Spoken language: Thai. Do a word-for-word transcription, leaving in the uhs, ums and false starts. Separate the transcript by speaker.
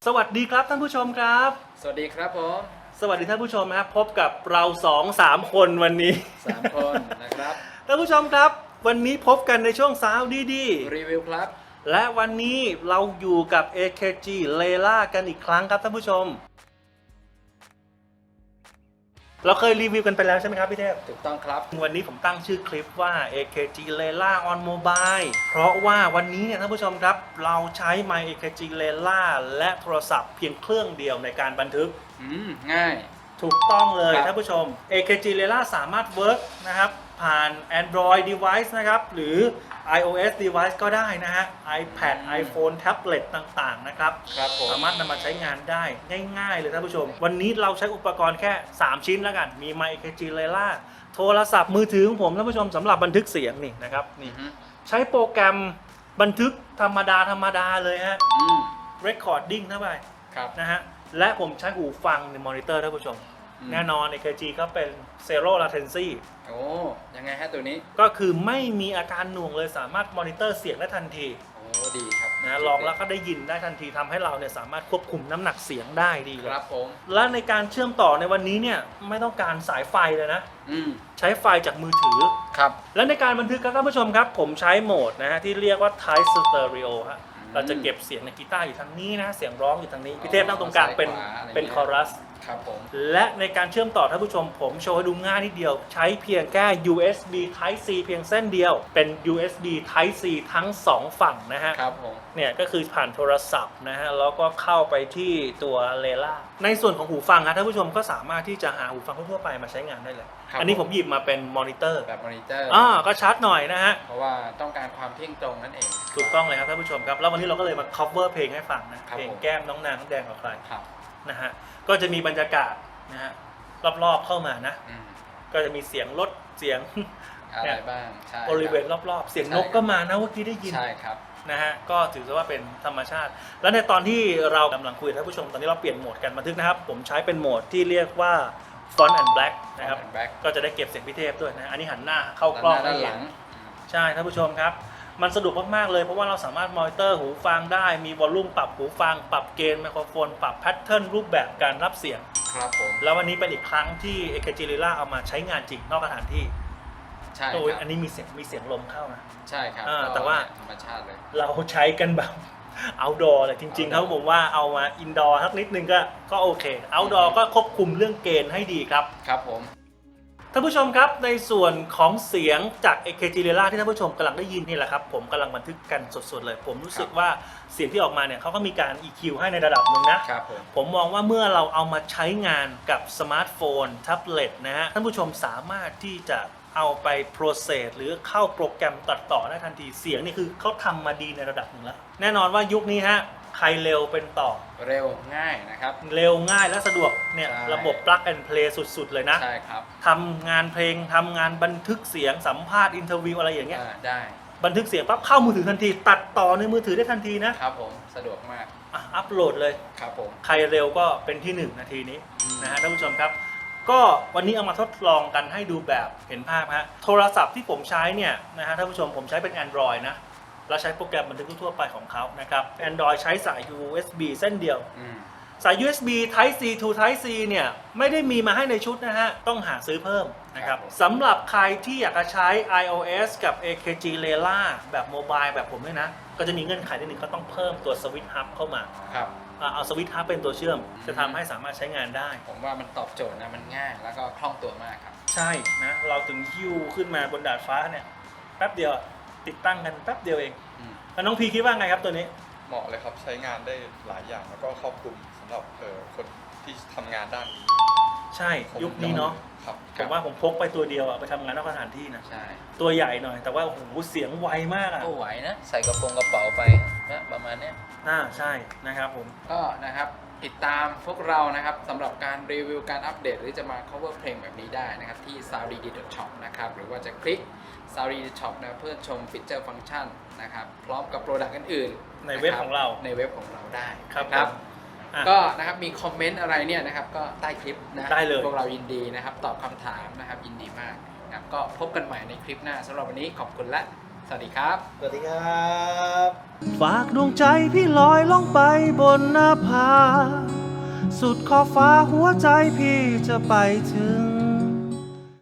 Speaker 1: วัสดีครับท่านผู้ชมครับ
Speaker 2: สวัสดีครับผม
Speaker 1: สวัสดีท่านผู้ชมครับพบกับเราสองสามคนวันนี้
Speaker 2: สามคนนะครับ
Speaker 1: ท่านผู้ชมครับวันนี้พบกันในช่วงสาวดีดี
Speaker 2: รีวิวครับ
Speaker 1: และวันนี้เราอยู่กับ เอ เค จี Layla กันอีกครั้งครับท่านผู้ชมเราเคยรีวิวกันไปแล้วใช่ไหมครับพี่เทพ
Speaker 2: ถูกต้องครับ
Speaker 1: วันนี้ผมตั้งชื่อคลิปว่า เอ เค จี Layla on Mobile เพราะว่าวันนี้เนี่ยท่านผู้ชมครับเราใช้ My เอ เค จี Layla และโทรศัพท์เพียงเครื่องเดียวในการบันทึก
Speaker 2: อืมง่าย
Speaker 1: ถูกต้องเลยท่านผู้ชม เอ เค จี Layla สามารถ work นะครับผ่าน Android device นะครับหรือ iOS device ก็ได้นะฮะ iPad iPhone tablet ต่างๆนะครับ
Speaker 2: ครับผม
Speaker 1: สามารถนำมาใช้งานได้ง่ายๆเลยท่านผู้ชมวันนี้เราใช้อุปกรณ์แค่สามชิ้นแล้วกันมี My เอ เค จี Layla โทรศัพท์มือถือของผมท่านผู้ชมสำหรับบันทึกเสียงนี่นะครับนี่ใช้โปรแกรมบันทึกธรรมดาธรรมดาเลยฮะ recording เข้าไปนะฮะและผมใช้หูฟังในมอนิเตอร์ท่านผู้ชมแน่นอน เอ เค จี ก็เป็น Zero Latency
Speaker 2: โอ้ยังไงฮะตัวนี้
Speaker 1: ก็คือไม่มีอาการหน่วงเลยสามารถมอนิเตอร์เสียงได้ทันที
Speaker 2: โอ้ดีครับ
Speaker 1: นะลองแล้วก็ได้ยินได้ทันทีทำให้เราเนี่ยสามารถควบคุมน้ำหนักเสียงได้ดี
Speaker 2: ครับผม
Speaker 1: และในการเชื่อมต่อในวันนี้เนี่ยไม่ต้องการสายไฟเลยนะใช้ไฟจากมือถือ
Speaker 2: ครับ
Speaker 1: และในการบันทึกครับท่านผู้ชมครับผมใช้โหมดนะฮะที่เรียกว่า Type Stereo ฮะเราจะเก็บเสียงในกีตาร์อยู่ทางนี้นะเสียงร้องอยู่ทางนี้พี่เทพนั่งตรงกลางเป็นเป็นคอรัส
Speaker 2: ครับผม
Speaker 1: และในการเชื่อมต่อท่านผู้ชมผมโชว์ให้ดูง่ายนิดเดียวใช้เพียงแค่ ยู เอส บี Type C เพียงเส้นเดียวเป็น ยู เอส บี Type C ทั้งสองฝั่งนะฮะ
Speaker 2: ครับผม
Speaker 1: เนี่ยก็คือผ่านโทรศัพท์นะฮะแล้วก็เข้าไปที่ตัว Layla ในส่วนของหูฟังครับท่านผู้ชมก็สามารถที่จะหาหูฟังทั่วไปมาใช้งานได้เลยอันนี้ผมหยิบมาเป็นมอนิเตอร์
Speaker 2: แบบมอนิเตอร์
Speaker 1: อ่าก็ชัดหน่อยนะฮะ
Speaker 2: เพราะว่าต้องการความเที่ยงตรงนั่นเอง
Speaker 1: ถูกต้องเลยครับท่านผู้ชมครับแล้ววันนี้เราก็เลยมา cover เพลงให้ฟังนะเพลงแก้มน้องนางน้องแดงกับใครนะฮะก็จะมีบรรยากาศนะฮะรอบๆเข้ามานะก็จะมีเสียงรถเสียง
Speaker 2: อะไรบ้างใช่
Speaker 1: บริเวณรอบๆเสียงนกก็มานะเมื่อกี้ได้ยิน
Speaker 2: ใช่ครับ
Speaker 1: นะฮะก็ถือว่าเป็นธรรมชาติแล้วในตอนที่เรากำลังคุยกับท่านผู้ชมตอนนี้เราเปลี่ยนโหมดกันบันทึกนะครับผมใช้เป็นโหมดที่เรียกว่า Front and Black นะครับก็จะได้เก็บเสียงพิเทพด้วยนะอันนี้หันหน้าเข้ากล้อง
Speaker 2: ด้านหลัง
Speaker 1: ใช่ท่านผู้ชมครับมันสะดวกมากๆเลยเพราะว่าเราสามารถมอนิเตอร์หูฟังได้มีวอลลุ่มปรับหูฟังปรับเกณฑ์ไมโครโฟนปรับแพทเทิร์นรูปแบบการรับเสียง
Speaker 2: ครับผม
Speaker 1: แล้ววันนี้เป็นอีกครั้งที่ เอ เค จี Layla เอามาใช้งานจริงนอกสถานที่
Speaker 2: ใช่
Speaker 1: โดยอันนี้มีเสียงมีเสียงลมเข้านะ
Speaker 2: ใช่ครับ
Speaker 1: แต่ว่า
Speaker 2: ธรรมชาติเลย
Speaker 1: เราใช้กันแบบ outdoor เลยจริงๆเขาบอกว่าเอามา indoor สักนิดนึงก็ก็โอเค outdoor ก็ควบคุมเรื่องเกณฑ์ให้ดีครับ
Speaker 2: ครับผม
Speaker 1: ท่านผู้ชมครับในส่วนของเสียงจาก เอ เค จี Layla ที่ท่านผู้ชมกำลังได้ยินนี่แหละครับผมกำลังบันทึกกันสดๆเลยผมรู้สึกว่าเสียงที่ออกมาเนี่ยเขาก็มีการ อี คิว ให้ในระดับหนึ่งนะครับผมผมมองว่าเมื่อเราเอามาใช้งานกับสมาร์ทโฟนแท็บเล็ตนะฮะท่านผู้ชมสามารถที่จะเอาไป process หรือเข้าโปรแกรมตัดต่อได้ทันทีเสียงนี่คือเขาทำมาดีในระดับหนึ่งแล้วแน่นอนว่ายุคนี้ฮะใครเร็วเป็นต่อ
Speaker 2: เร็วง่ายนะครับ
Speaker 1: เร็วง่ายและสะดวกเนี่ยระบบ plug and play สุดๆเลยนะ
Speaker 2: ใช่ครับ
Speaker 1: ทำงานเพลงทำงานบันทึกเสียงสัมภาษณ์อินเทอร์วิวอะไรอย่างเงี้ย
Speaker 2: ได้
Speaker 1: บันทึกเสียงปั๊บเข้ามือถือทันทีตัดต่อในมือถือได้ทันทีนะครับ
Speaker 2: ผมสะดวกมาก
Speaker 1: อัพโหลดเลย
Speaker 2: ครับผม
Speaker 1: ใครเร็วก็เป็นที่หนึ่งนาทีนี้นะฮะท่านผู้ชมครับก็วันนี้เอามาทดลองกันให้ดูแบบเห็นภาพฮะโทรศัพท์ที่ผมใช้เนี่ยนะฮะท่านผู้ชมผมใช้เป็น Android นะแล้วใช้โปรแกรมบันทึกทั่วไปของเขานะครับ Android ใช้สาย ยู เอส บี เส้นเดียวสาย ยู เอส บี Type C to Type C เนี่ยไม่ได้มีมาให้ในชุดนะฮะต้องหาซื้อเพิ่มนะครับสำหรับใครที่อยากจะใช้ iOS กับ เอ เค จี Layla แบบโมบายแบบผมเนี่ยนะก็จะมีเงื่อนไขนิดนึงก็ต้องเพิ่มตัว Switch Hub เข้ามา
Speaker 2: ครับ
Speaker 1: เอาสวิตช์ฮับเป็นตัวเชื่อมจะทำให้สามารถใช้งานได้
Speaker 2: ผมว่ามันตอบโจทย์นะมันง่ายแล้วก็คล่องตัวมากครับ
Speaker 1: ใช่นะเราถึงฮิ้วขึ้นมาบนดาดฟ้าเนี่ยแป๊บเดียวติดตั้งกันแป๊บเดียวเองแล้วน้องพีคิดว่าไงครับตัวนี้
Speaker 3: เหมาะเลยครับใช้งานได้หลายอย่างแล้วก็ครอบคลุมสำหรับเอ่อคนที่ทำงานด้านนี้
Speaker 1: ใช่ยุคนี้เนาะผมว่าผมพกไปตัวเดียวอะไปทำงานนอกสถานที่นะ
Speaker 2: ใช่
Speaker 1: ตัวใหญ่หน่อยแต่ว่าโอ้โหเสียงไวมากอะ
Speaker 2: ก็ไหวนะใส่กระโปรงกระเป๋าไปนะประมาณนี้
Speaker 1: อ่าใช่นะครับผม
Speaker 2: ก็นะครับติดตามพวกเรานะครับสำหรับการรีวิวการอัปเดตหรือจะมา cover เพลงแบบนี้ได้นะครับที่ ซาวด์ดี ดี ดอท ช็อป นะครับหรือว่าจะคลิก ซาวด์ดี ดี ดอท ช็อป นะเพื่อชมฟีเจอร์ฟังก์ชันนะครับพร้อมกับโปรดักต์อื่น
Speaker 1: ๆในเว็บของเรา
Speaker 2: ในเว็บของเราได้
Speaker 1: ครับ
Speaker 2: ก็นะครับมีคอมเมนต์อะไรเนี่ยนะครับก็ใต้คลิปนะ
Speaker 1: ได้เลย
Speaker 2: พวกเรายินดีนะครับตอบคำถามนะครับยินดีมากนะครับก็พบกันใหม่ในคลิปหน้าสำหรับวันนี้ขอบคุณและสวัสดีครับ
Speaker 4: สวัสดีครับ
Speaker 1: ฝากดวงใจพี่ลอยล่องไปบนหน้าผาสุดขอบฟ้าหัวใจพี่จะไปถึง